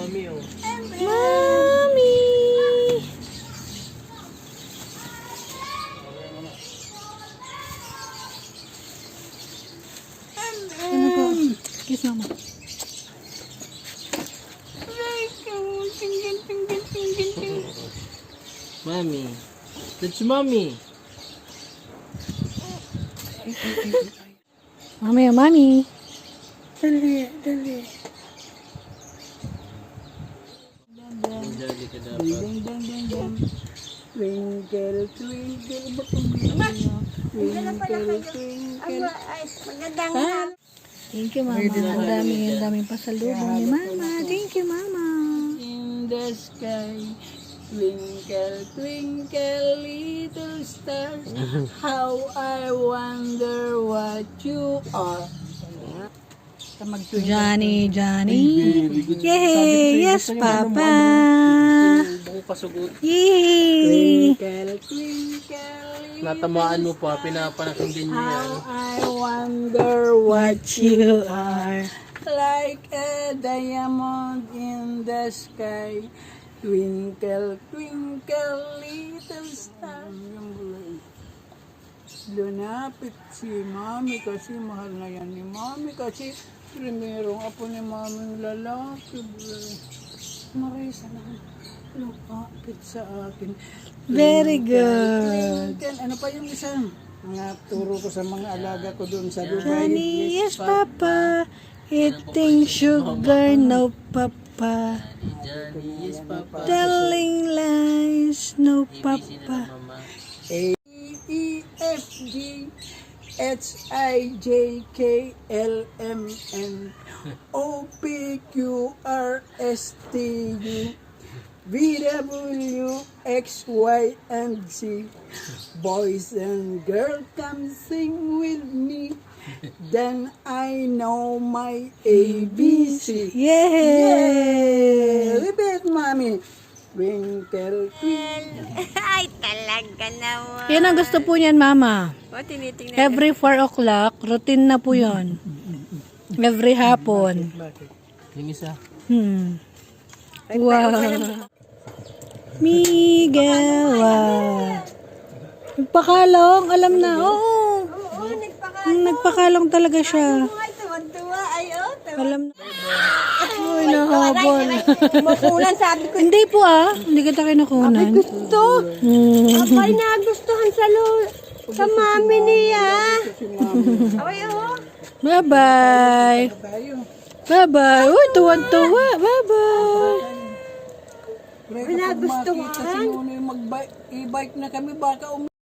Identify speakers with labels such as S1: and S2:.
S1: Mami, oh.
S2: Mami! Ano ba? Kiss mama.
S1: Mami. That's Mami.
S2: Mami, mami. Dali, dali.
S1: Dali ka dapat.
S3: Twinkle, twinkle, twinkle, twinkle.
S2: Thank you, mama. Ang daming pasalubong ni mama. Thank you, mama.
S3: In the sky, twinkle, twinkle, little stars, how I wonder what you are.
S2: Johnny, Johnny. Yay! Yes, Papa.
S1: Buko pasugot.
S2: Yay!
S3: Twinkle, twinkle,
S1: Natamaan mo pa, pinapanakin niyo yan.
S3: how I wonder what
S2: You are.
S3: like a diamond in the sky. Twinkle, twinkle, little star. Lunapit si Mami kasi mahal na yan ni Mami kasi primerong apo ni Mami lalaki. Marisa na lumapit sa akin.
S2: Very good.
S3: Twinkle, ano pa yung isa? Mga turo ko sa mga alaga ko doon sa Dubai.
S2: Johnny, yes, Papa. Eating sugar, no, Papa.
S1: Johnny, yes, Papa.
S2: Telling lies, no, Papa.
S1: Mama.
S3: A, E, F, G, H, I, J, K, L, M, N, O, P, Q, R, S, T, U, V, W, X, Y, and Z. Boys and girls, come sing with me. Then I know my ABC.
S2: Yay!
S3: Repeat, Mommy. Twinkle, twinkle.
S4: Ay, talaga naman.
S2: Yan ang gusto po niyan, Mama.
S4: O, tinitingnan.
S2: Every 4 o'clock, routine na po yon. Every hapon.
S1: Yung isa.
S2: Wow. Miguel, wow. Nagpakalong, alam na. Oo.
S4: Oo, nagpakain.
S2: Nagpakalong talaga siya.
S4: Ay, tuwan-tuwa. Ay, oh,
S2: Alam na. Uy, nahabol.
S4: Makulan, sabi ko.
S2: Hindi po hindi kita kinukunan.
S4: Gusto. Abay, nagustuhan sa mami niya. Ay, oh.
S2: Bye-bye. Bye-bye. Uy, tuwan-tuwa. Bye-bye.
S3: Pre, kapag makita si Nunoy mag-e-bike na kami, baka